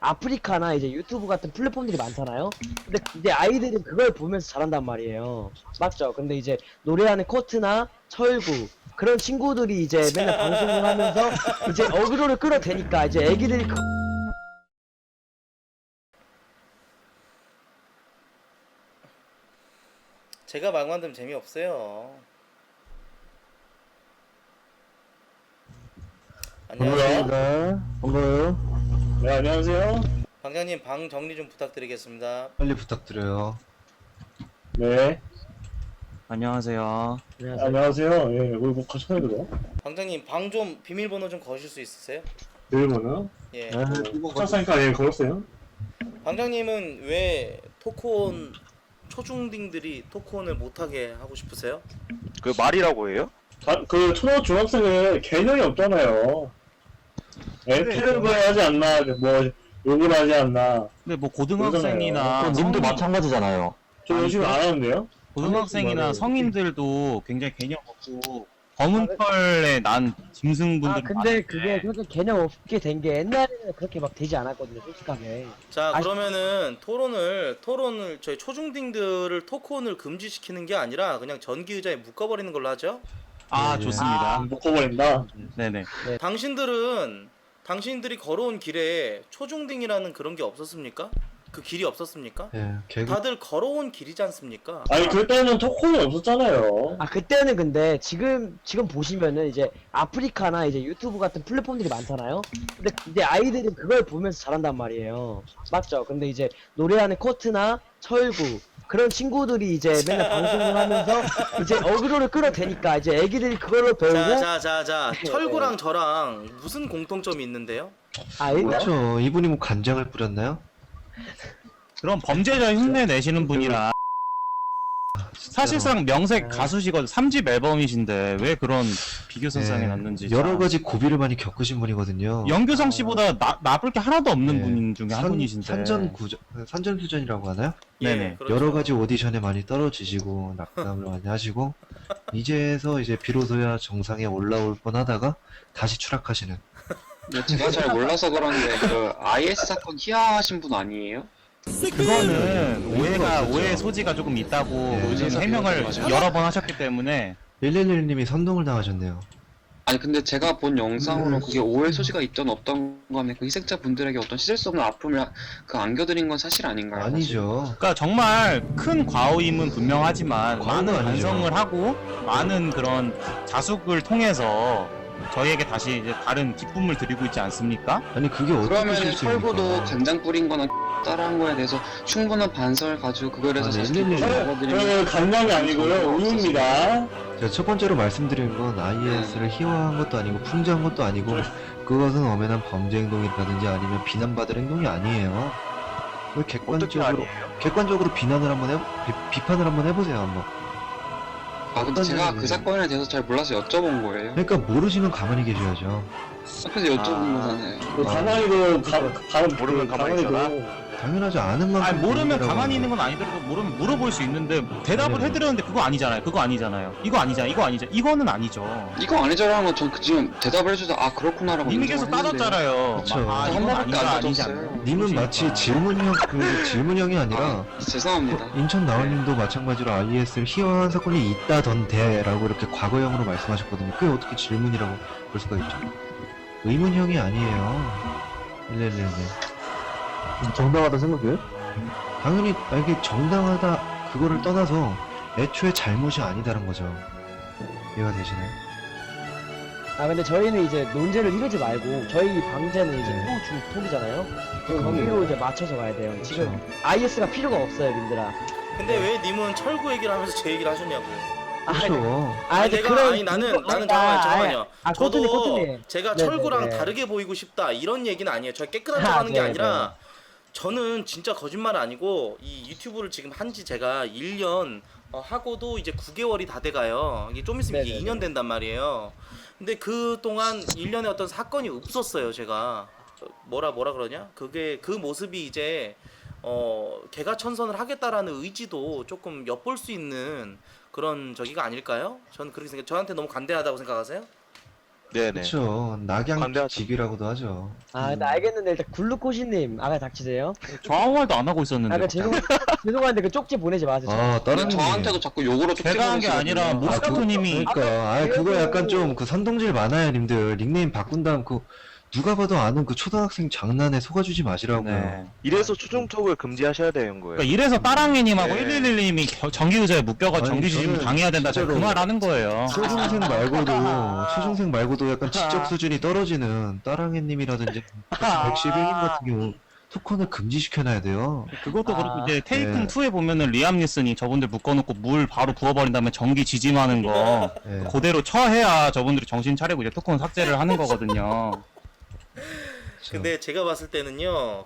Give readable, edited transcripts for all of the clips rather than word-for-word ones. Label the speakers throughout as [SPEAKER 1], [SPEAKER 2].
[SPEAKER 1] 아프리카나 이제 유튜브 같은 플랫폼들이 많잖아요. 근데 이제 아이들은 그걸 보면서 자란단 말이에요. 맞죠? 근데 이제 노래하는 코트나 철구 그런 친구들이 이제 맨날 방송을 하면서 이제 어그로를 끌어대니까 이제 애기들이
[SPEAKER 2] 제가 막 만들면 재미없어요. 안녕하세요.
[SPEAKER 3] 반갑습니다. 반가워요.
[SPEAKER 4] 네, 안녕하세요.
[SPEAKER 2] 방장님 방 정리 좀 부탁드리겠습니다.
[SPEAKER 3] 빨리 부탁드려요.
[SPEAKER 4] 네,
[SPEAKER 5] 안녕하세요.
[SPEAKER 1] 안녕하세요.
[SPEAKER 4] 안녕하세요. 예, 우리 뭐 같이 해야 돼?
[SPEAKER 2] 방장님 방 좀 비밀번호 좀 거실 수 있으세요?
[SPEAKER 4] 비밀번호?
[SPEAKER 2] 예.
[SPEAKER 4] 쳤으니까 예, 걸었어요.
[SPEAKER 2] 방장님은 왜 토크온 초중딩들이 토크온을 못하게 하고 싶으세요?
[SPEAKER 6] 그 말이라고 해요?
[SPEAKER 4] 그 초등 중학생은 개념이 없잖아요. 패를 봐야 하지 않나, 뭐 욕을 하지 않나.
[SPEAKER 5] 근데 뭐 고등학생이나
[SPEAKER 3] 님도
[SPEAKER 5] 성인,
[SPEAKER 3] 마찬가지잖아요.
[SPEAKER 4] 저 요즘 안 하는데요?
[SPEAKER 5] 고등학생이나 성인들도 굉장히 개념 없고 검은 털에 난 짐승분들
[SPEAKER 1] 아 근데 그게 그렇게 개념 없게 된 게 옛날에는 그렇게 막 되지 않았거든요, 솔직하게.
[SPEAKER 2] 자,
[SPEAKER 1] 아,
[SPEAKER 2] 그러면은 토론을 저희 초중딩들을 토크온을 금지시키는 게 아니라 그냥 전기 의자에 묶어버리는 걸로 하죠?
[SPEAKER 5] 아
[SPEAKER 3] 네.
[SPEAKER 5] 좋습니다.
[SPEAKER 4] 묶어버린다.
[SPEAKER 5] 네네.
[SPEAKER 2] 당신들이 걸어온 길에 초중딩이라는 그런 게 없었습니까? 그 길이 없었습니까?
[SPEAKER 3] 예, 개그
[SPEAKER 2] 다들 걸어온 길이지 않습니까?
[SPEAKER 4] 아니, 그때는 토크는 없었잖아요.
[SPEAKER 1] 아 그때는 근데 지금 보시면은 이제 아프리카나 이제 유튜브 같은 플랫폼들이 많잖아요. 근데 이제 아이들은 그걸 보면서 자란단 말이에요. 맞죠? 근데 이제 노래하는 코트나 철구 그런 친구들이 이제 맨날 방송을 하면서 이제 어그로를 끌어대니까 이제 애기들이 그걸로 배우고
[SPEAKER 2] 자, 철구랑 저랑 무슨 공통점이 있는데요?
[SPEAKER 1] 아 일단
[SPEAKER 3] 그렇죠. 이분이 뭐 간장을 뿌렸나요?
[SPEAKER 5] 그럼 범죄자 흉내 내시는 분이라 사실상 명색 가수시거든. 3집 앨범이신데 왜 그런 비교 선상에 놨는지
[SPEAKER 3] 네. 여러
[SPEAKER 5] 참.
[SPEAKER 3] 가지 고비를 많이 겪으신 분이거든요.
[SPEAKER 5] 연규성 씨보다 나쁠 게 하나도 없는
[SPEAKER 3] 네.
[SPEAKER 5] 분 중에 한 분이신데.
[SPEAKER 3] 산전수전이라고 하나요?
[SPEAKER 5] 네네.
[SPEAKER 2] 그렇죠.
[SPEAKER 3] 여러 가지 오디션에 많이 떨어지시고 낙담을 많이 하시고 이제서 이제 비로소야 정상에 올라올 뻔하다가 다시 추락하시는.
[SPEAKER 7] 네, 제가 잘 몰라서 그런데 그 IS 사건 희화하신 분 아니에요?
[SPEAKER 5] 그거는
[SPEAKER 3] 없었죠.
[SPEAKER 5] 오해 소지가 조금 있다고
[SPEAKER 3] 네,
[SPEAKER 5] 요즘
[SPEAKER 7] 의사
[SPEAKER 5] 해명을
[SPEAKER 7] 맞아요.
[SPEAKER 5] 여러 번 하셨기 때문에
[SPEAKER 3] 111님이 선동을 당하셨네요.
[SPEAKER 7] 아니 근데 제가 본 영상으로 그게 오해 소지가 있던 없던 거면 그 희생자 분들에게 어떤 씻을 수 없는 아픔을 안겨드린 건 사실 아닌가요?
[SPEAKER 3] 아니죠.
[SPEAKER 5] 그러니까 정말 큰 과오임은 분명하지만
[SPEAKER 3] 과오는
[SPEAKER 5] 많은
[SPEAKER 3] 아니죠.
[SPEAKER 5] 반성을 하고 많은 그런 자숙을 통해서 저희에게 다시 이제 다른 기쁨을 드리고 있지 않습니까?
[SPEAKER 3] 아니 그게 어떻게
[SPEAKER 7] 그러면
[SPEAKER 3] 실수입니까?
[SPEAKER 7] 철구도 간장 뿌린 거나 따라한 거에 대해서 충분한 반성을 가지고 그거에 대해서
[SPEAKER 3] 아니,
[SPEAKER 7] 다시
[SPEAKER 3] 일일이
[SPEAKER 7] 기쁨을 먹어드리면
[SPEAKER 4] 저는 간장이 아니고요. 우유입니다.
[SPEAKER 3] 제가 첫 번째로 말씀드린 건 IS를 희화한 것도 아니고 풍자한 것도 아니고 그것은 엄연한 범죄 행동이라든지 아니면 비난받을 행동이 아니에요. 왜
[SPEAKER 6] 어떻게
[SPEAKER 3] 객관적으로
[SPEAKER 6] 아니에요?
[SPEAKER 3] 객관적으로 비난을 한번 비판을 한번 해보세요 한번.
[SPEAKER 7] 아 근데 제가
[SPEAKER 3] 어떤
[SPEAKER 7] 그 사건에 대해서 잘 몰라서 여쭤본 거예요.
[SPEAKER 3] 그러니까 모르시면 가만히 계셔야죠.
[SPEAKER 7] 그래서 여쭤본 거잖아요.
[SPEAKER 4] 그 가만히도,
[SPEAKER 6] 모르면 가만히 있잖아.
[SPEAKER 3] 당연하지 않은 만큼.
[SPEAKER 5] 아니 모르면
[SPEAKER 3] 비밀이라고
[SPEAKER 5] 가만히 있는
[SPEAKER 3] 하는
[SPEAKER 5] 건 아니더라도 모르면 물어볼 수 있는데 대답을
[SPEAKER 3] 네.
[SPEAKER 5] 해드렸는데 그거 아니잖아요. 그거 아니잖아요. 이거 아니잖아요. 이거 아니죠. 이거는 아니죠.
[SPEAKER 7] 이거 아니죠라는 건 전 지금 대답을 해줘서 아 그렇구나라고
[SPEAKER 5] 님이 계속
[SPEAKER 7] 인정을 했는데
[SPEAKER 5] 따졌잖아요.
[SPEAKER 3] 그쵸.
[SPEAKER 5] 아
[SPEAKER 7] 한
[SPEAKER 5] 이건
[SPEAKER 7] 번밖에
[SPEAKER 5] 아니다
[SPEAKER 7] 안
[SPEAKER 5] 아니지
[SPEAKER 7] 따졌어요.
[SPEAKER 5] 않나.
[SPEAKER 3] 님은 마치 질문형이 아니라
[SPEAKER 7] 아, 죄송합니다.
[SPEAKER 3] 인천 나원님도 마찬가지로 IS를 희화한 사건이 있다던데라고 이렇게 과거형으로 말씀하셨거든요. 그게 어떻게 질문이라고 볼 수가 있죠? 의문형이 아니에요. 111님.
[SPEAKER 8] 정당하다 생각해요?
[SPEAKER 3] 당연히 이게 정당하다 그거를 떠나서 애초에 잘못이 아니다는 거죠. 이해가 되시나요?
[SPEAKER 1] 아 근데 저희는 이제 논제를 이루지 말고 저희 방제는 이제
[SPEAKER 3] 네.
[SPEAKER 1] 톡이잖아요. 거기로 이제 맞춰서 가야 돼요. 지금
[SPEAKER 3] 그렇죠.
[SPEAKER 1] IS가 필요가 없어요, 님들아.
[SPEAKER 2] 근데 왜 님은 철구 얘기를 하면서 제 얘기를 하셨냐고요?
[SPEAKER 3] 그렇죠.
[SPEAKER 2] 나는 잠깐만요.
[SPEAKER 1] 코트님,
[SPEAKER 2] 저도
[SPEAKER 1] 코트님.
[SPEAKER 2] 제가
[SPEAKER 1] 네네네.
[SPEAKER 2] 철구랑 다르게 보이고 싶다 이런 얘기는 아니에요. 저 깨끗한
[SPEAKER 1] 아,
[SPEAKER 2] 척 하는 게
[SPEAKER 1] 네,
[SPEAKER 2] 아니라 저는 진짜 거짓말 아니고 이 유튜브를 지금 한지 제가 1년 하고도 이제 9개월이 다 돼가요. 이게 좀 있으면 이게
[SPEAKER 1] 네네네.
[SPEAKER 2] 2년 된단 말이에요. 근데 그 동안 1년에 어떤 사건이 없었어요. 제가 뭐라 그러냐? 그게 그 모습이 이제 개가천선을 하겠다라는 의지도 조금 엿볼 수 있는 그런 저기가 아닐까요? 저는 그렇게 생각. 저한테 너무 관대하다고 생각하세요?
[SPEAKER 6] 네네.
[SPEAKER 3] 그렇죠. 낙양
[SPEAKER 6] 관대하죠.
[SPEAKER 3] 집이라고도 하죠.
[SPEAKER 1] 근데 알겠는데 일단 글루코시님 아가 닥치세요.
[SPEAKER 5] 저 아무 말도 안 하고 있었는데.
[SPEAKER 1] 그 죄송한데 그 쪽지 보내지 마세요.
[SPEAKER 3] 다른
[SPEAKER 7] 저한테도 자꾸 욕으로
[SPEAKER 5] 제가 한 게 아니라 모스카토님이
[SPEAKER 3] 그거 약간 좀 그 선동질 많아요, 님들. 닉네임 바꾼 다음 그 누가 봐도 아는 그 초등학생 장난에 속아주지 마시라고요.
[SPEAKER 5] 네.
[SPEAKER 6] 이래서 초중턱을 금지하셔야 되는 거예요.
[SPEAKER 5] 그러니까 이래서 따랑이님하고
[SPEAKER 6] 네.
[SPEAKER 5] 111님이 정기의자에 묶여가
[SPEAKER 3] 아니,
[SPEAKER 5] 정기지짐
[SPEAKER 3] 저는
[SPEAKER 5] 당해야 된다. 제가 그
[SPEAKER 3] 진짜로
[SPEAKER 5] 말 하는 거예요.
[SPEAKER 3] 초중생 말고도 약간 지적 수준이 떨어지는 따랑해님이라든지 111님 같은 경우 토큰을 금지시켜놔야 돼요.
[SPEAKER 5] 그것도 그렇고 이제 테이큰
[SPEAKER 3] 네.
[SPEAKER 5] 2에 보면은 리암 니슨이 저분들 묶어놓고 물 바로 부어버린 다음에 전기 지짐하는 거
[SPEAKER 3] 네.
[SPEAKER 5] 그대로 처해야 저분들이 정신 차리고 이제 토큰 삭제를 하는 거거든요.
[SPEAKER 2] 근데 제가 봤을 때는요,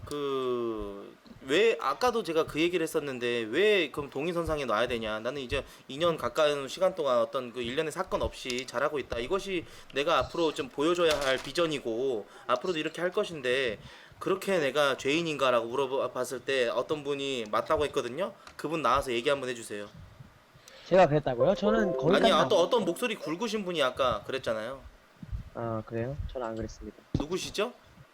[SPEAKER 2] 왜 아까도 제가 그 얘기를 했었는데 왜 그럼 동의선상에 놔야 되냐? 나는 이제 2년 가까운 시간 동안 어떤 그 일련의 사건 없이 잘하고 있다. 이것이 내가 앞으로 좀 보여줘야 할 비전이고 앞으로도 이렇게 할 것인데 그렇게 내가 죄인인가라고 물어봤을 때 어떤 분이 맞다고 했거든요. 그분 나와서 얘기 한번 해주세요.
[SPEAKER 1] 제가 그랬다고요? 저는 거기까지
[SPEAKER 2] 아니 어떤 목소리 굵으신 분이 아까 그랬잖아요.
[SPEAKER 1] 그래요? 저는 안 그랬습니다.
[SPEAKER 2] 누구시죠?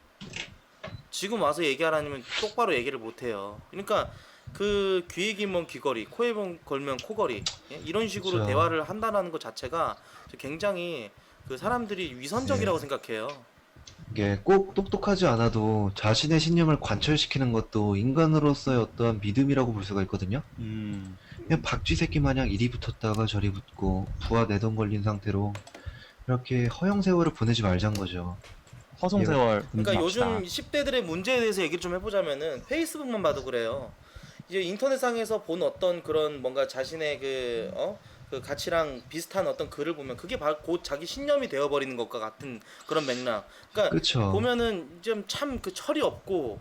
[SPEAKER 2] 지금 와서 얘기하라면 똑바로 얘기를 못해요. 그러니까 그 귀에 길면 귀걸이, 코에 걸면 코걸이, 예? 이런 식으로
[SPEAKER 3] 그쵸.
[SPEAKER 2] 대화를 한다는 것 자체가 굉장히 그 사람들이 위선적이라고
[SPEAKER 3] 네.
[SPEAKER 2] 생각해요.
[SPEAKER 3] 이게 꼭 똑똑하지 않아도 자신의 신념을 관철시키는 것도 인간으로서의 어떠한 믿음이라고 볼 수가 있거든요. 그냥 박쥐 새끼 마냥 이리 붙었다가 저리 붙고 부하 내동 걸린 상태로 이렇게 허영세월을 보내지 말자는 거죠.
[SPEAKER 5] 허송세월.
[SPEAKER 2] 그러니까
[SPEAKER 5] 금지합시다.
[SPEAKER 2] 요즘 10대들의 문제에 대해서 얘기를 좀 해보자면은 페이스북만 봐도 그래요. 이제 인터넷상에서 본 어떤 그런 뭔가 자신의 그 가치랑 비슷한 어떤 글을 보면 그게 바로 곧 자기 신념이 되어버리는 것과 같은 그런 맥락. 그러니까
[SPEAKER 3] 그쵸.
[SPEAKER 2] 보면은 좀 참 그 철이 없고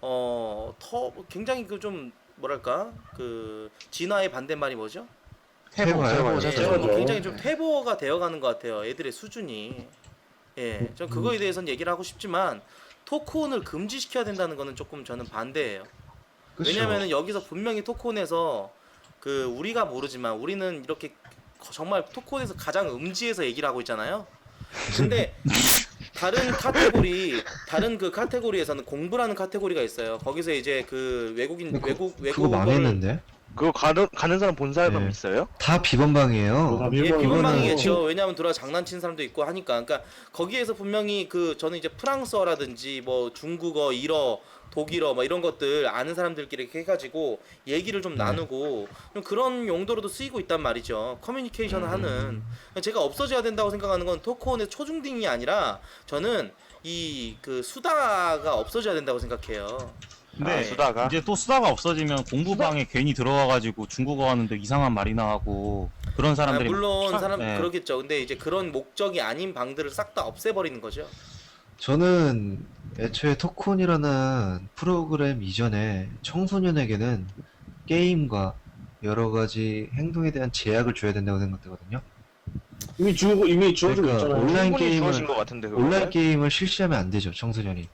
[SPEAKER 2] 굉장히 그 좀 뭐랄까 그 진화의 반대말이 뭐죠?
[SPEAKER 3] 해봐요.
[SPEAKER 2] 굉장히 좀 퇴보가 되어가는 것 같아요. 애들의 수준이. 예, 전 그거에 대해서는 얘기를 하고 싶지만 토크온을 금지시켜야 된다는 거는 조금 저는 반대예요.
[SPEAKER 3] 그쵸.
[SPEAKER 2] 왜냐면은 여기서 분명히 토크온에서 그 우리가 모르지만 우리는 이렇게 정말 토크온에서 가장 음지에서 얘기를 하고 있잖아요. 근데 다른 그 카테고리에서는 공부라는 카테고리가 있어요. 거기서 이제 그 외국인
[SPEAKER 3] 그거
[SPEAKER 2] 외국어를
[SPEAKER 3] 망했는데?
[SPEAKER 6] 그거 가는 사람 본 사람
[SPEAKER 3] 네.
[SPEAKER 6] 있어요?
[SPEAKER 3] 다 비번방이에요.
[SPEAKER 2] 예,
[SPEAKER 3] 이거는
[SPEAKER 2] 비번방이겠죠. 왜냐하면 들어와 장난친 사람도 있고 하니까. 그러니까 거기에서 분명히 저는 이제 프랑스어라든지 뭐 중국어, 일어, 독일어 뭐 이런 것들 아는 사람들끼리 이렇게 해가지고 얘기를 좀 나누고 좀 그런 용도로도 쓰이고 있단 말이죠. 커뮤니케이션을 하는. 제가 없어져야 된다고 생각하는 건 토크온의 초중딩이 아니라 저는 이 그 수다가 없어져야 된다고 생각해요.
[SPEAKER 5] 근데
[SPEAKER 6] 수다가?
[SPEAKER 5] 이제 또 수다가 없어지면 공부방에 괜히 들어와가지고 중국어 하는데 이상한 말이나 하고 그런 사람들이
[SPEAKER 2] 물론
[SPEAKER 5] 네.
[SPEAKER 2] 그러겠죠. 근데 이제 그런 목적이 아닌 방들을 싹 다 없애버리는 거죠.
[SPEAKER 3] 저는 애초에 토크온이라는 프로그램 이전에 청소년에게는 게임과 여러 가지 행동에 대한 제약을 줘야 된다고 생각되거든요.
[SPEAKER 4] 이미 주어지고
[SPEAKER 3] 그러니까
[SPEAKER 4] 있잖아요.
[SPEAKER 3] 온라인
[SPEAKER 6] 충분히 주어진
[SPEAKER 3] 게임을
[SPEAKER 6] 것 같은데 그거는?
[SPEAKER 3] 온라인 게임을 실시하면 안 되죠, 청소년이.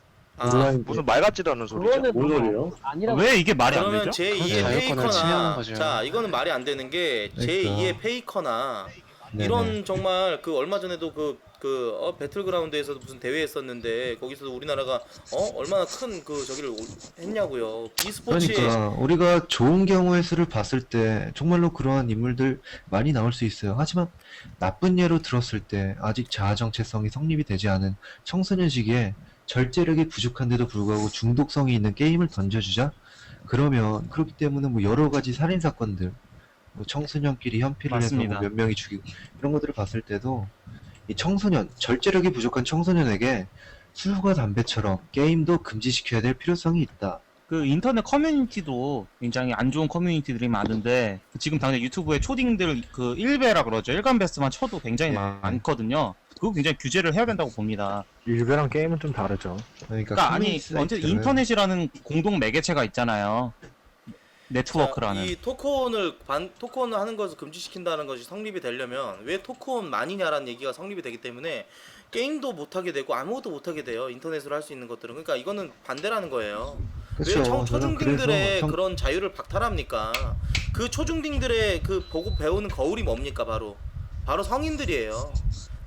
[SPEAKER 6] 무슨 말 같지도 않은 소리죠.
[SPEAKER 1] 그거는
[SPEAKER 4] 뭔 소리예요?
[SPEAKER 1] 아니라고.
[SPEAKER 5] 왜 이게 말이 안
[SPEAKER 2] 그러면
[SPEAKER 5] 되죠?
[SPEAKER 2] 제2의
[SPEAKER 7] 자유권을
[SPEAKER 2] 페이커나
[SPEAKER 7] 침해하는 거죠.
[SPEAKER 2] 자 이거는 말이 안 되는 게
[SPEAKER 3] 그러니까.
[SPEAKER 2] 제2의 페이커나
[SPEAKER 3] 네네.
[SPEAKER 2] 이런 정말 그 얼마 전에도 배틀그라운드에서도 무슨 대회 했었는데 거기서도 우리나라가 얼마나 큰 그 저기를 했냐고요. e스포츠에
[SPEAKER 3] 그러니까 우리가 좋은 경우의 수를 봤을 때 정말로 그러한 인물들 많이 나올 수 있어요. 하지만 나쁜 예로 들었을 때 아직 자아 정체성이 성립이 되지 않은 청소년 시기에 절제력이 부족한데도 불구하고 중독성이 있는 게임을 던져주자. 그러면 그렇기 때문에 뭐 여러 가지 살인 사건들, 뭐 청소년끼리 현피를 해서
[SPEAKER 5] 맞습니다.
[SPEAKER 3] 뭐 몇 명이 죽이고 이런 것들을 봤을 때도 이 청소년, 절제력이 부족한 청소년에게 술과 담배처럼 게임도 금지시켜야 될 필요성이 있다.
[SPEAKER 5] 그 인터넷 커뮤니티도 굉장히 안 좋은 커뮤니티들이 많은데 지금 당장 유튜브에 초딩들 그 1배라 그러죠. 일간베스트만 쳐도 굉장히
[SPEAKER 3] 네.
[SPEAKER 5] 많거든요. 그거 굉장히 규제를 해야 된다고 봅니다.
[SPEAKER 8] 일베랑 게임은 좀 다르죠.
[SPEAKER 5] 그러니까 아니
[SPEAKER 3] 커뮤니티
[SPEAKER 5] 언제
[SPEAKER 3] 사이트는
[SPEAKER 5] 인터넷이라는 공동 매개체가 있잖아요. 네트워크라는.
[SPEAKER 2] 이 토크온을 하는 것을 금지시킨다는 것이 성립이 되려면 왜 토크온만이냐라는 얘기가 성립이 되기 때문에 게임도 못하게 되고 아무것도 못하게 돼요. 인터넷으로 할 수 있는 것들은. 그러니까 이거는 반대라는 거예요.
[SPEAKER 3] 그쵸.
[SPEAKER 2] 왜
[SPEAKER 3] 저는
[SPEAKER 2] 초중딩들의
[SPEAKER 3] 그래서
[SPEAKER 2] 그런 자유를 박탈합니까? 그 초중딩들의 그 보고 배우는 거울이 뭡니까? 바로 성인들이에요.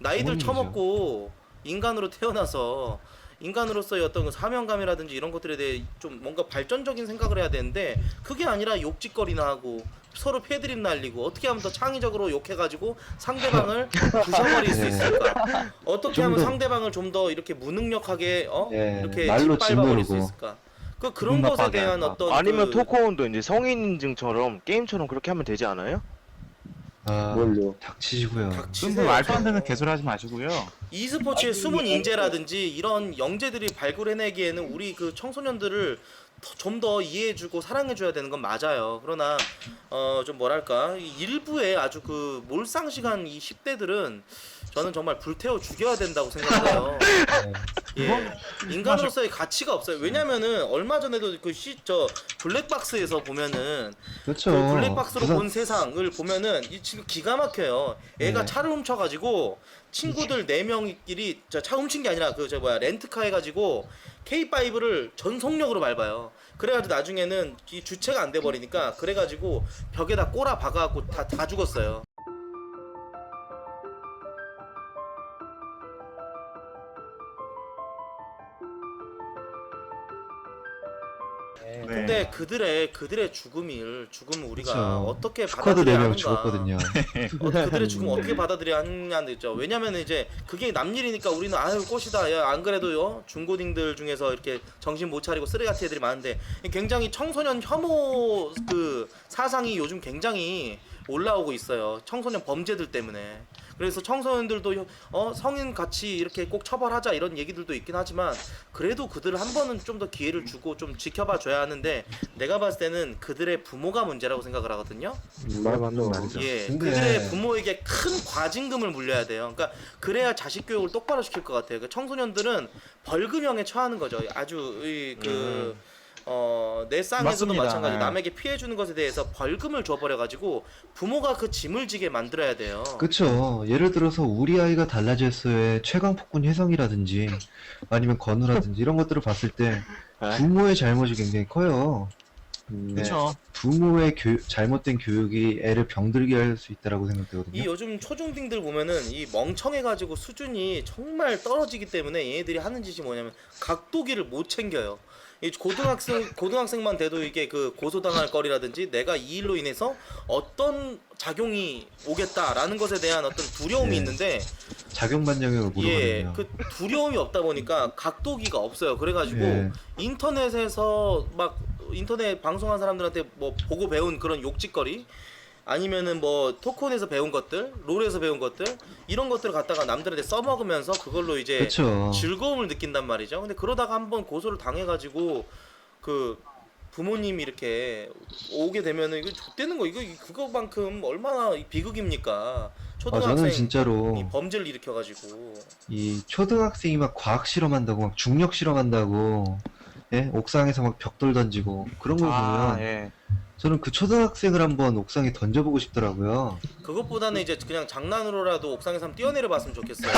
[SPEAKER 2] 나이들
[SPEAKER 3] 부모님이죠.
[SPEAKER 2] 처먹고 인간으로 태어나서 인간으로서의 어떤 그 사명감이라든지 이런 것들에 대해 좀 뭔가 발전적인 생각을 해야 되는데 그게 아니라 욕짓거리나 하고 서로 패드립 날리고 어떻게 하면 더 창의적으로 욕해가지고 상대방을 부셔버릴 수
[SPEAKER 3] 네.
[SPEAKER 2] 있을까? 어떻게
[SPEAKER 3] 좀
[SPEAKER 2] 하면
[SPEAKER 3] 더-
[SPEAKER 2] 상대방을 좀 더 이렇게 무능력하게 이렇게
[SPEAKER 3] 말로
[SPEAKER 2] 짓밟아버릴 수
[SPEAKER 3] 짓누르고.
[SPEAKER 2] 있을까? 그런
[SPEAKER 5] 기분
[SPEAKER 2] 것에
[SPEAKER 5] 나빠하게
[SPEAKER 2] 대한
[SPEAKER 5] 할까?
[SPEAKER 2] 어떤
[SPEAKER 6] 아니면
[SPEAKER 2] 그
[SPEAKER 6] 토크온도 이제 성인 인증처럼 게임처럼 그렇게 하면 되지 않아요?
[SPEAKER 3] 아,
[SPEAKER 4] 뭘요?
[SPEAKER 3] 닥치시고요.
[SPEAKER 2] 닥치세요.
[SPEAKER 5] 그럼 말도 안 되는 개소리 하지 마시고요.
[SPEAKER 2] e스포츠의 숨은 인재라든지 이런 영재들이 발굴해내기에는 우리 그 청소년들을 좀 더 이해해주고 사랑해줘야 되는 건 맞아요. 그러나 좀 뭐랄까 이 일부의 아주 그 몰상식한 이 10대들은 저는 정말 불태워 죽여야 된다고 생각해요. 예. 인간으로서의 가치가 없어요. 왜냐면은 얼마 전에도 저 블랙박스에서 보면은
[SPEAKER 3] 그렇죠.
[SPEAKER 2] 그 블랙박스로
[SPEAKER 3] 부산-
[SPEAKER 2] 본 세상을 보면은 이 지금 기가 막혀요. 애가
[SPEAKER 3] 네.
[SPEAKER 2] 차를 훔쳐가지고 친구들 4명끼리 차 훔친 게 아니라 그 렌트카 해가지고 K5를 전속력으로 밟아요. 그래가지고 나중에는 이 주체가 안 돼 버리니까 그래가지고 벽에다 꼬라 박아갖고 다 죽었어요.
[SPEAKER 1] 네.
[SPEAKER 2] 근데 그들의 죽음을 우리가
[SPEAKER 3] 그쵸.
[SPEAKER 2] 어떻게
[SPEAKER 3] 스쿼드
[SPEAKER 2] 받아들여야
[SPEAKER 3] 4명
[SPEAKER 2] 하는가?
[SPEAKER 3] 죽었거든요.
[SPEAKER 2] 그들의 죽음 어떻게 받아들여야 하느냐는 있죠. 왜냐면 이제 그게 남일이니까 우리는 아유 꽃이다. 야, 안 그래도요 중고딩들 중에서 이렇게 정신 못 차리고 쓰레기같은 애들이 많은데 굉장히 청소년 혐오 그 사상이 요즘 굉장히 올라오고 있어요. 청소년 범죄들 때문에. 그래서 청소년들도 성인 같이 이렇게 꼭 처벌하자 이런 얘기들도 있긴 하지만 그래도 그들을 한 번은 좀 더 기회를 주고 좀 지켜봐 줘야 하는데 내가 봤을 때는 그들의 부모가 문제라고 생각을 하거든요.
[SPEAKER 8] 말 맞는 말이죠.
[SPEAKER 2] 예,
[SPEAKER 3] 근데-
[SPEAKER 2] 그들의 부모에게 큰 과징금을 물려야 돼요. 그러니까 그래야 자식 교육을 똑바로 시킬 것 같아요. 그 청소년들은 벌금형에 처하는 거죠. 아주 내 쌍에서도
[SPEAKER 5] 맞습니다.
[SPEAKER 2] 마찬가지.
[SPEAKER 5] 네.
[SPEAKER 2] 남에게 피해 주는 것에 대해서 벌금을 줘버려 가지고 부모가 그 짐을 지게 만들어야 돼요.
[SPEAKER 3] 그쵸. 예를 들어서 우리 아이가 달라졌어의 최강폭군 혜성이라든지 아니면 건우라든지 이런 것들을 봤을 때 부모의 잘못이 굉장히 커요. 네.
[SPEAKER 5] 그렇죠.
[SPEAKER 3] 부모의 잘못된 교육이 애를 병들게 할 수 있다라고
[SPEAKER 2] 이
[SPEAKER 3] 생각되거든요.
[SPEAKER 2] 요즘 초중딩들 보면은 이 멍청해가지고 수준이 정말 떨어지기 때문에 얘네들이 하는 짓이 뭐냐면 각도기를 못 챙겨요. 이 고등학생만 돼도 이게 그 고소당할 거리라든지 내가 이 일로 인해서 어떤 작용이 오겠다라는 것에 대한 어떤 두려움이
[SPEAKER 3] 네.
[SPEAKER 2] 있는데
[SPEAKER 3] 작용 반영을
[SPEAKER 2] 예,
[SPEAKER 3] 모르거든요.
[SPEAKER 2] 그 두려움이 없다 보니까 각도기가 없어요. 그래가지고
[SPEAKER 3] 예.
[SPEAKER 2] 인터넷에서 막 인터넷 방송한 사람들한테 뭐 보고 배운 그런 욕짓거리 아니면은 뭐 토크온에서 배운 것들, 롤에서 배운 것들 이런 것들을 갖다가 남들한테 써먹으면서 그걸로 이제
[SPEAKER 3] 그쵸.
[SPEAKER 2] 즐거움을 느낀단 말이죠. 근데 그러다가 한번 고소를 당해가지고 그 부모님이 이렇게 오게 되면은 이거 좆되는 거 이거 그거만큼 얼마나 비극입니까? 초등학생
[SPEAKER 3] 저는 진짜로
[SPEAKER 2] 이 범죄를 일으켜가지고
[SPEAKER 3] 이 초등학생이 막 과학 실험한다고 막 중력 실험한다고 예? 옥상에서 막 벽돌 던지고 그런 걸
[SPEAKER 5] 아,
[SPEAKER 3] 보면
[SPEAKER 5] 예.
[SPEAKER 3] 저는 그 초등학생을 한번 옥상에 던져보고 싶더라고요.
[SPEAKER 2] 그것보다는 이제 그냥 장난으로라도 옥상에서 한번 뛰어내려 봤으면 좋겠어요.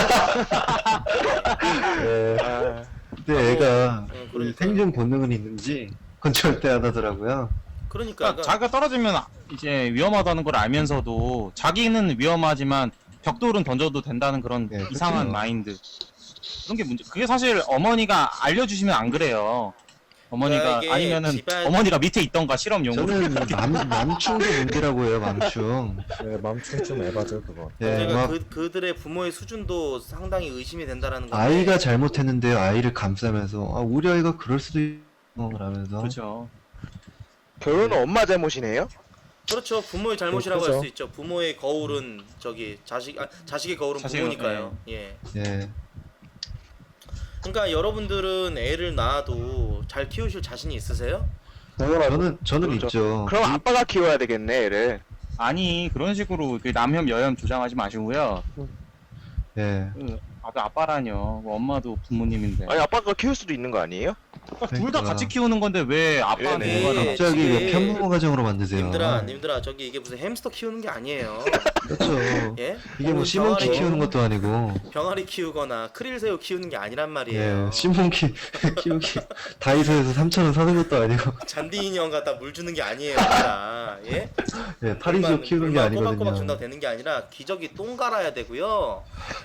[SPEAKER 3] 근데 애가
[SPEAKER 2] 그러니까요.
[SPEAKER 3] 이 생존 본능은 있는지 그건 절대 안 하더라고요.
[SPEAKER 2] 그러니까
[SPEAKER 5] 자기가 떨어지면 이제 위험하다는 걸 알면서도 자기는 위험하지만 벽돌은 던져도 된다는 그런
[SPEAKER 3] 네,
[SPEAKER 5] 이상한
[SPEAKER 3] 그렇죠.
[SPEAKER 5] 마인드. 그런 게 문제. 그게 사실 어머니가 알려주시면 안 그래요. 어머니가
[SPEAKER 2] 그러니까 이게
[SPEAKER 5] 아니면은
[SPEAKER 2] 집안-
[SPEAKER 5] 어머니가 밑에 있던가 실험용으로.
[SPEAKER 3] 저는 맘충도 문제라고 해요, 맘충.
[SPEAKER 8] 네, 맘충 좀 에바죠 그거.
[SPEAKER 3] 예,
[SPEAKER 2] 제가
[SPEAKER 3] 막
[SPEAKER 2] 그들의 부모의 수준도 상당히 의심이 된다라는 건데
[SPEAKER 3] 아이가 잘못했는데요, 아이를 감싸면서 우리 아이가 그럴 수도 있라면서
[SPEAKER 5] 그렇죠.
[SPEAKER 6] 결혼은 엄마 잘못이네요?
[SPEAKER 2] 그렇죠. 부모의 잘못이라고 할
[SPEAKER 8] 그렇죠.
[SPEAKER 2] 수 있죠. 부모의 거울은 자식의 거울은
[SPEAKER 5] 자식은,
[SPEAKER 2] 부모니까요. 예.
[SPEAKER 3] 예.
[SPEAKER 2] 그러니까 여러분들은 애를 낳아도 잘 키우실 자신이 있으세요?
[SPEAKER 3] 저는
[SPEAKER 6] 그렇죠.
[SPEAKER 3] 있죠.
[SPEAKER 6] 그럼 아빠가 키워야 되겠네, 애를.
[SPEAKER 5] 아니 그런 식으로 그 남혐 여혐 조장하지 마시고요.
[SPEAKER 3] 예.
[SPEAKER 5] 아빠라뇨. 뭐 엄마도 부모님인데.
[SPEAKER 6] 아니, 아빠가 키울 수도 있는 거 아니에요?
[SPEAKER 5] 둘 다
[SPEAKER 3] 그러니까.
[SPEAKER 5] 같이 키우는 건데 왜 아빠한테
[SPEAKER 6] 네.
[SPEAKER 5] 뭐가
[SPEAKER 2] 네.
[SPEAKER 3] 갑자기 왜
[SPEAKER 2] 지금
[SPEAKER 3] 편부모 가정으로 만드세요?
[SPEAKER 2] 님들아 저기 이게 무슨 햄스터 키우는 게 아니에요.
[SPEAKER 3] 그렇죠.
[SPEAKER 2] 예?
[SPEAKER 3] 이게 뭐
[SPEAKER 2] 혹은
[SPEAKER 3] 시몬키 키우는 것도 아니고,
[SPEAKER 2] 병아리 키우거나 크릴새우 키우는 게 아니란 말이에요.
[SPEAKER 3] 예, 시몬키 키우기 다이소에서 3,000원 사는 것도 아니고,
[SPEAKER 2] 잔디 인형 갖다 물 주는 게 아니에요, 얘들아. 예?
[SPEAKER 3] 예, 파리지옥 키우는 게
[SPEAKER 2] 꼬박꼬박
[SPEAKER 3] 아니거든요.
[SPEAKER 2] 준다고 되는 게 아니라 기저귀 똥 갈아야 되고요.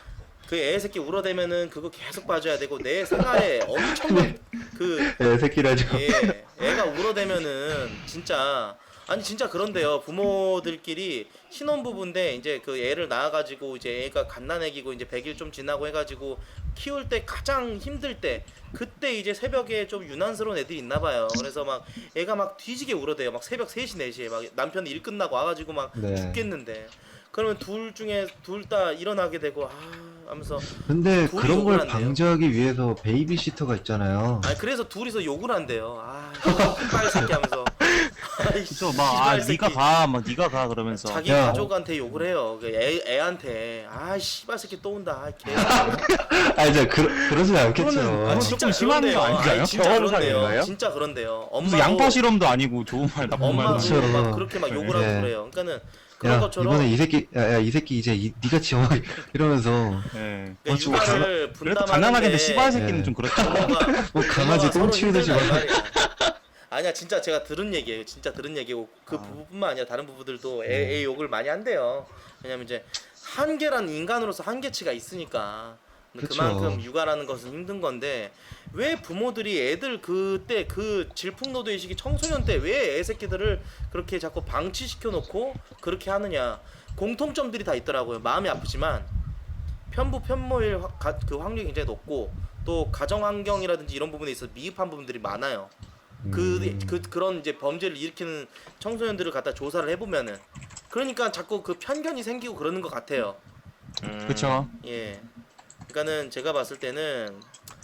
[SPEAKER 2] 그 애 새끼 울어대면은 그거 계속 봐줘야 되고 내 생활에 엄청난 그
[SPEAKER 3] 새끼라죠.
[SPEAKER 2] 예, 애가 울어대면은 진짜 아니 진짜 그런데요. 부모들끼리 신혼부부인데 이제 그 애를 낳아가지고 이제 애가 갓난애기고 이제 100일 좀 지나고 해가지고 키울 때 가장 힘들 때 그때 이제 새벽에 좀 유난스러운 애들이 있나봐요. 그래서 막 애가 막 뒤지게 울어대요. 막 새벽 3시 4시에 막 남편이 일 끝나고 와가지고 막
[SPEAKER 3] 네.
[SPEAKER 2] 죽겠는데 그러면 둘 중에 둘 다 일어나게 되고 하면서
[SPEAKER 3] 근데
[SPEAKER 2] 둘이
[SPEAKER 3] 그런
[SPEAKER 2] 욕을
[SPEAKER 3] 걸
[SPEAKER 2] 한대요.
[SPEAKER 3] 방지하기 위해서 베이비시터가 있잖아요.
[SPEAKER 2] 아니 그래서 둘이서 욕을 한대요. 씨발 새끼 하면서.
[SPEAKER 5] 그쵸, 막, 니가 가, 막, 니가 가, 그러면서.
[SPEAKER 2] 자기
[SPEAKER 3] 야.
[SPEAKER 2] 가족한테 욕을 해요. 그 애한테. 씨발 새끼 또 온다. 개.
[SPEAKER 3] 이제 그러진 않겠죠.
[SPEAKER 5] 그거는 조금 심한 거
[SPEAKER 2] 그런데요.
[SPEAKER 5] 아닌가요?
[SPEAKER 2] 아니, 진짜 그런데요.
[SPEAKER 6] 경험상인가요?
[SPEAKER 2] 진짜 그런데요.
[SPEAKER 5] 무슨 양파 실험도 아니고 좋은 말, 나쁜 말도
[SPEAKER 2] 엄마도
[SPEAKER 5] 아니고.
[SPEAKER 3] 그렇죠.
[SPEAKER 2] 막 그렇게 막 욕을 하고
[SPEAKER 3] 네.
[SPEAKER 2] 그래요. 그러니까는 그런
[SPEAKER 3] 야,
[SPEAKER 2] 것처럼
[SPEAKER 3] 이번에 이 새끼 이제 니가 지어 이러면서
[SPEAKER 5] 예.
[SPEAKER 2] 그러니까
[SPEAKER 3] 좀
[SPEAKER 2] 육아를
[SPEAKER 5] 그래도 가난하겠는데 씨발 새끼는
[SPEAKER 3] 네.
[SPEAKER 5] 좀 그렇죠.
[SPEAKER 3] 뭐 강아지 똥 치우듯이 막
[SPEAKER 2] 아니야 진짜 제가 들은 얘기예요. 진짜 들은 얘기고 그 부부뿐만 아니라 다른 부부들도 애 욕을 많이 한대요. 왜냐면 이제 한계란 인간으로서 한계치가 있으니까
[SPEAKER 3] 그쵸.
[SPEAKER 2] 그만큼 육아라는 것은 힘든 건데 왜 부모들이 애들 그때 그 질풍노도의 시기 청소년 때 왜 애 새끼들을 그렇게 자꾸 방치시켜 놓고 그렇게 하느냐 공통점들이 다 있더라고요. 마음이 아프지만 편부 편모일 그 확률이 굉장히 높고 또 가정 환경이라든지 이런 부분에 있어서 미흡한 부분들이 많아요. 그런 이제 범죄를 일으키는 청소년들을 갖다 조사를 해보면은 그러니까 자꾸 그 편견이 생기고 그러는 것 같아요.
[SPEAKER 5] 그쵸.
[SPEAKER 2] 예. 그러니까는 제가 봤을 때는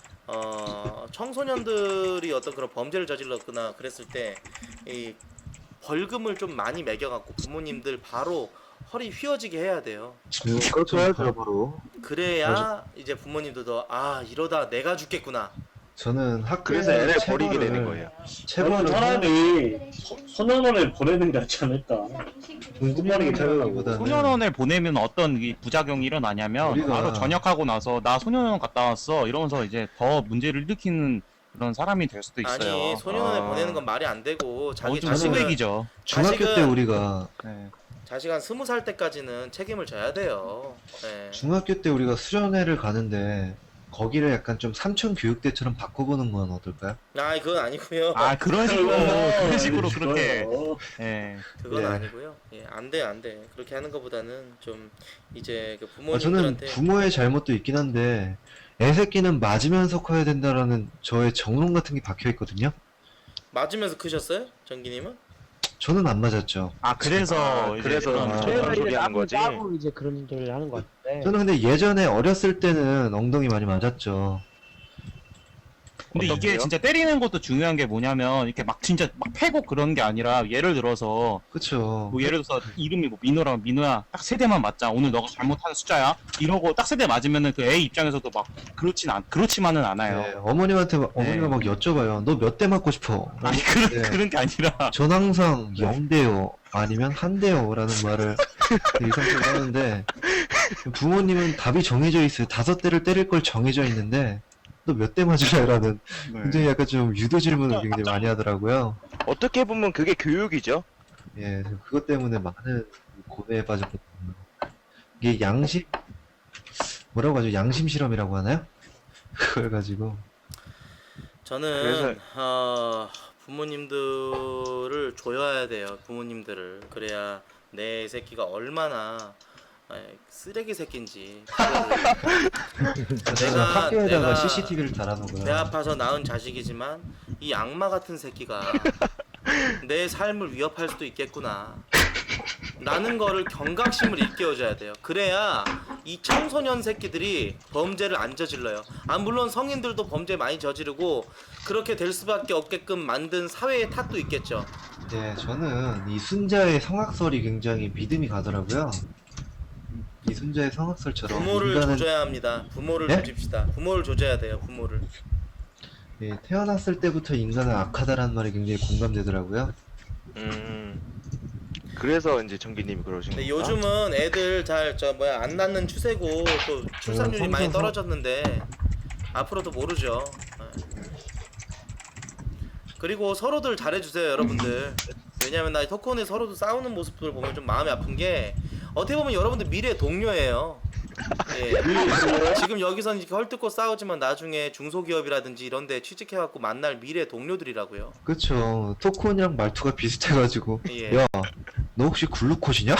[SPEAKER 2] 청소년들이 어떤 그런 범죄를 저질렀거나 그랬을 때 이 벌금을 좀 많이 매겨갖고 부모님들 바로 허리 휘어지게 해야 돼요.
[SPEAKER 3] 그렇게 해야죠 바로.
[SPEAKER 2] 그래야 이제 부모님들도 이러다 내가 죽겠구나.
[SPEAKER 3] 저는 학교에
[SPEAKER 6] 그래서 애를 버리게 되는 거예요.
[SPEAKER 3] 체벌을
[SPEAKER 4] 차라리 소년원에 보내는 게 낫지 않을까. 궁금하게
[SPEAKER 3] 하기보다는
[SPEAKER 5] 소년원을 보내면 어떤 이 부작용이 일어나냐면
[SPEAKER 3] 우리가-
[SPEAKER 5] 바로 전역하고 나서 나 소년원 갔다 왔어 이러면서 이제 더 문제를 일으키는 그런 사람이 될 수도 있어요.
[SPEAKER 2] 아니 소년원에
[SPEAKER 6] 아.
[SPEAKER 2] 보내는 건 말이 안 되고 자기
[SPEAKER 5] 좀
[SPEAKER 2] 자식은
[SPEAKER 5] 쓰레기죠.
[SPEAKER 3] 중학교 때
[SPEAKER 2] 자식은-
[SPEAKER 3] 우리가
[SPEAKER 5] 네.
[SPEAKER 2] 자식 한 20살 때까지는 책임을 져야 돼요. 네.
[SPEAKER 3] 중학교 때 우리가 수련회를 가는데 거기를 약간 좀 삼촌 교육대처럼 바꿔보는 건 어떨까요?
[SPEAKER 2] 그건 아니고요.
[SPEAKER 5] 그런 식으로 그런 식으로 그렇게
[SPEAKER 4] 그렇게.
[SPEAKER 5] 예.
[SPEAKER 2] 그건
[SPEAKER 3] 네.
[SPEAKER 2] 아니고요. 예, 안 돼, 안 돼. 그렇게 하는 것보다는 좀 이제 그
[SPEAKER 3] 저는
[SPEAKER 2] 부모님들한테
[SPEAKER 3] 부모의 잘못도 있긴 한데 애 새끼는 맞으면서 커야 된다라는 저의 정론 같은 게 박혀 있거든요.
[SPEAKER 2] 맞으면서 크셨어요, 정기님은?
[SPEAKER 3] 저는 안 맞았죠.
[SPEAKER 5] 그래서 이제
[SPEAKER 6] 그래서
[SPEAKER 5] 그런
[SPEAKER 6] 아,
[SPEAKER 1] 그래서
[SPEAKER 6] 그런
[SPEAKER 1] 이제
[SPEAKER 6] 소리 하는 거지.
[SPEAKER 1] 따로 이제 그런 소리를 하는 것 같은데.
[SPEAKER 3] 저는 근데 예전에 어렸을 때는 엉덩이 많이 맞았죠.
[SPEAKER 5] 근데 이게
[SPEAKER 6] 어떻게요?
[SPEAKER 5] 진짜 때리는 것도 중요한 게 뭐냐면 이렇게 막 진짜 막 패고 그런 게 아니라 예를 들어서
[SPEAKER 3] 그쵸.
[SPEAKER 5] 뭐 예를 들어서 이름이 뭐 민호랑 민호야 딱 세 대만 맞자 오늘 너가 잘못하는 숫자야 이러고 딱 세 대 맞으면은 그 애 입장에서도 막 그렇지만은 않아요.
[SPEAKER 3] 네, 어머님한테 어머니가 막 여쭤봐요. 너 몇 대 맞고 싶어?
[SPEAKER 5] 아니
[SPEAKER 3] 네.
[SPEAKER 5] 그런 게 아니라
[SPEAKER 3] 전 항상 0대요 아니면 1대요 라는 말을 이성적으로 하는데 부모님은 답이 정해져 있어요. 5대를 때릴 걸 정해져 있는데 너 몇 대 맞으래? 라는 굉장히 약간 좀 유도 질문을 굉장히 많이 하더라고요.
[SPEAKER 6] 어떻게 보면 그게 교육이죠.
[SPEAKER 3] 예, 그것 때문에 많은 고뇌에 빠졌거든요. 이게 뭐라고 하죠? 양심 실험이라고 하나요? 그걸 가지고
[SPEAKER 2] 저는 부모님들을 조여야 돼요. 부모님들을 그래야 내 새끼가 얼마나 쓰레기 새끼인지
[SPEAKER 3] 제가 학교에다가
[SPEAKER 2] 내가
[SPEAKER 3] CCTV를
[SPEAKER 2] 배
[SPEAKER 3] 달아놓고요.
[SPEAKER 2] 아파서 낳은 자식이지만 이 악마 같은 새끼가 내 삶을 위협할 수도 있겠구나 라는 거를 경각심을 일깨워줘야 돼요. 그래야 이 청소년 새끼들이 범죄를 안 저질러요. 물론 성인들도 범죄 많이 저지르고 그렇게 될 수밖에 없게끔 만든 사회의 탓도 있겠죠.
[SPEAKER 3] 네, 저는 이 순자의 성악설이 굉장히 믿음이 가더라고요. 이 순자의 성악설처럼
[SPEAKER 2] 부모를
[SPEAKER 3] 인간은
[SPEAKER 2] 조져야 합니다. 부모를
[SPEAKER 3] 네?
[SPEAKER 2] 조집시다. 부모를 조져야 돼요. 부모를.
[SPEAKER 3] 예, 태어났을 때부터 인간은 악하다라는 말이 굉장히 공감되더라고요.
[SPEAKER 6] 그래서 이제 정기님이 그러신
[SPEAKER 2] 근데
[SPEAKER 6] 건가?
[SPEAKER 2] 요즘은 애들 안 낳는 추세고 또 출산율이 많이 떨어졌는데 앞으로도 모르죠. 그리고 서로들 잘해주세요, 여러분들. 왜냐면 나 토크온에 서로도 싸우는 모습들을 보면 좀 마음이 아픈 게 어떻게 보면 여러분들 미래 동료예요. 예. 지금 여기서는 이렇게 헐뜯고 싸우지만 나중에 중소기업이라든지 이런데 취직해갖고 만날 미래 동료들이라고요.
[SPEAKER 3] 그쵸. 토콘이랑 말투가 비슷해가지고
[SPEAKER 2] 예.
[SPEAKER 3] 야, 너 혹시 글루코시냐?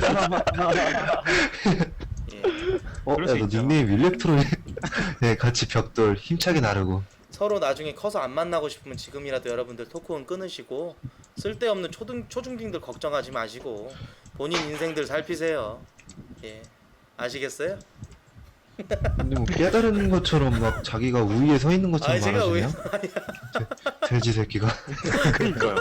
[SPEAKER 2] 예.
[SPEAKER 5] 그럴
[SPEAKER 3] 야,
[SPEAKER 5] 수
[SPEAKER 3] 너
[SPEAKER 5] 있죠.
[SPEAKER 3] 닉네임 일렉트로닉. 네, 같이 벽돌 힘차게 나르고.
[SPEAKER 2] 서로 나중에 커서 안 만나고 싶으면 지금이라도 여러분들 토크온 끊으시고 쓸데없는 초중딩들 걱정하지 마시고 본인 인생들 살피세요. 예. 아시겠어요?
[SPEAKER 3] 근데 뭐 깨달은 것처럼 막 자기가 우위에 서 있는 것처럼
[SPEAKER 2] 아니 제가 왜
[SPEAKER 3] 말하시네요. 돼지 새끼가.
[SPEAKER 6] 그니까요.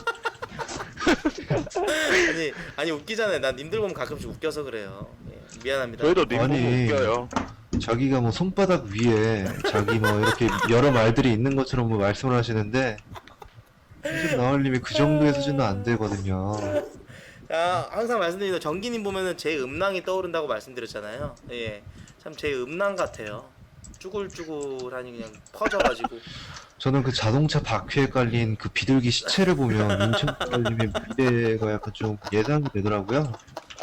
[SPEAKER 2] 아니 웃기잖아요. 난 님들 보면 가끔씩 웃겨서 그래요. 예. 미안합니다.
[SPEAKER 6] 저희도 님 보고
[SPEAKER 3] 아니.
[SPEAKER 6] 웃겨요.
[SPEAKER 3] 자기가 뭐 손바닥 위에 자기 뭐 이렇게 여러 말들이 있는 것처럼 뭐 말씀을 하시는데 사실 나얼님이 그 정도의 수준은 안 되거든요.
[SPEAKER 2] 자, 항상 말씀드리는 정기님 보면은 제 음낭이 떠오른다고 말씀드렸잖아요. 예, 참 제 음낭 같아요. 쭈글쭈글하니 그냥 퍼져가지고.
[SPEAKER 3] 저는 그 자동차 바퀴에 깔린 그 비둘기 시체를 보면 인천 나얼님의 미래가 약간 좀 예상이 되더라고요.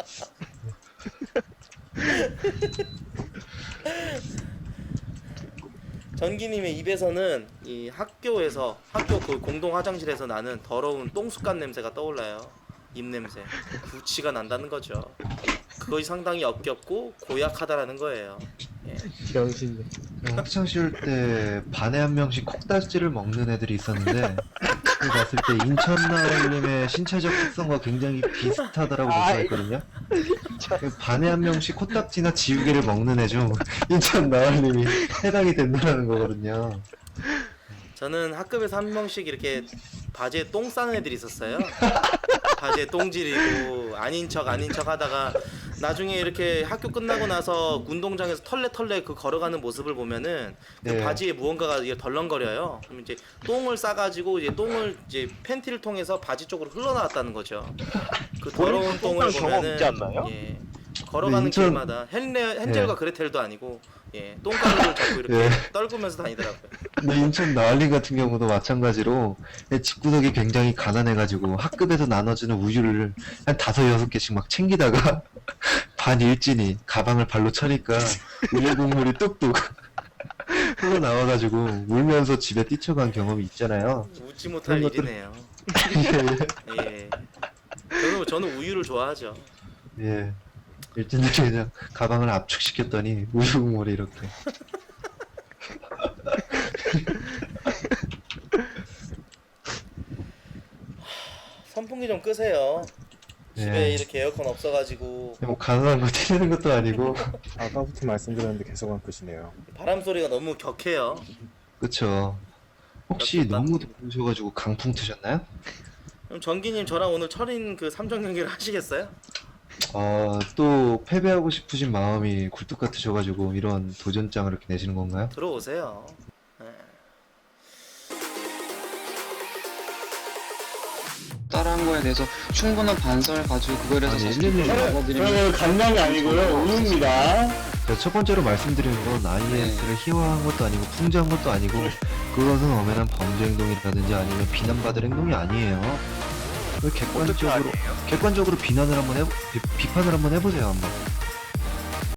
[SPEAKER 2] 전기님의 입에서는 이 학교 그 공동 화장실에서 나는 더러운 똥숟간 냄새가 떠올라요. 입 냄새. 구취가 난다는 거죠. 그것이 상당히 역겹고 고약하다라는 거예요. 예.
[SPEAKER 8] 병신이.
[SPEAKER 3] 학창 시절 때 반에 한 명씩 콕다지를 먹는 애들이 있었는데 그 봤을 때 인천 나얼님의 신체적 특성과 굉장히 비슷하다라고 볼 수가 있거든요. 그 반에 한 명씩 코딱지나 지우개를 먹는 애 중 인천 나얼님이 해당이 된다는 거거든요.
[SPEAKER 2] 저는 학급에서 한 명씩 이렇게 바지에 똥 싸는 애들이 있었어요. 바지에 똥 지리고 아닌 척 하다가 나중에 이렇게 학교 끝나고 나서 운동장에서 털레 그 걸어가는 모습을 보면은 그
[SPEAKER 3] 네.
[SPEAKER 2] 바지에 무언가가 이게 덜렁거려요. 그럼 이제 똥을 싸가지고 이제 똥을 이제 팬티를 통해서 바지 쪽으로 흘러나왔다는 거죠. 그 더러운 똥을
[SPEAKER 6] 경험
[SPEAKER 2] 보면은
[SPEAKER 6] 있지 않나요?
[SPEAKER 2] 예, 걸어가는
[SPEAKER 3] 인천-
[SPEAKER 2] 길마다 헨젤과 그레텔도 아니고 예, 똥가루를 잡고 이렇게
[SPEAKER 3] 예.
[SPEAKER 2] 떨구면서 다니더라고요.
[SPEAKER 3] 근데 인천 나얼님 같은 경우도 마찬가지로 집구석이 굉장히 가난해가지고 학급에서 나눠주는 우유를 한 5-6개씩 막 챙기다가 반 일진이 가방을 발로 차니까 우유 국물이 뚝뚝 흘러나와가지고 울면서 집에 뛰쳐간 경험이 있잖아요.
[SPEAKER 2] 웃지 못할
[SPEAKER 3] 그런 것들-
[SPEAKER 2] 일이네요. 예. 저는 우유를 좋아하죠.
[SPEAKER 3] 예. 일진들이 그냥 가방을 압축시켰더니 우유 국물이 이렇게.
[SPEAKER 2] 선풍기 좀 끄세요. 집에
[SPEAKER 3] 예.
[SPEAKER 2] 이렇게 에어컨 없어가지고
[SPEAKER 3] 뭐 가난한 거 티내는 것도 아니고.
[SPEAKER 8] 아까부터 말씀드렸는데 계속 안 끄시네요.
[SPEAKER 2] 바람 소리가 너무 격해요.
[SPEAKER 3] 그쵸. 혹시 너무 더우셔가지고 강풍 트셨나요?
[SPEAKER 2] 그럼 전기님 저랑 오늘 철인 그 3전 경기를 하시겠어요?
[SPEAKER 3] 또 패배하고 싶으신 마음이 굴뚝 같으셔가지고 이런 도전장을 이렇게 내시는 건가요?
[SPEAKER 2] 들어오세요. 예.
[SPEAKER 7] 따라한 거에 대해서 충분한 반성을 가지고 그거에 대해서
[SPEAKER 3] 아니,
[SPEAKER 7] 자신감을
[SPEAKER 3] 일일이-
[SPEAKER 7] 잡아드리면
[SPEAKER 4] 저는 감량이 아니고요. 우유입니다.
[SPEAKER 3] 제가 첫 번째로 말씀드리는 건 IS를 희화한 것도 아니고 풍자한 것도 아니고 그것은 엄연한 범죄 행동이라든지 아니면 비난받을 행동이 아니에요. 객관적으로 비판을 한번 해보세요 한번.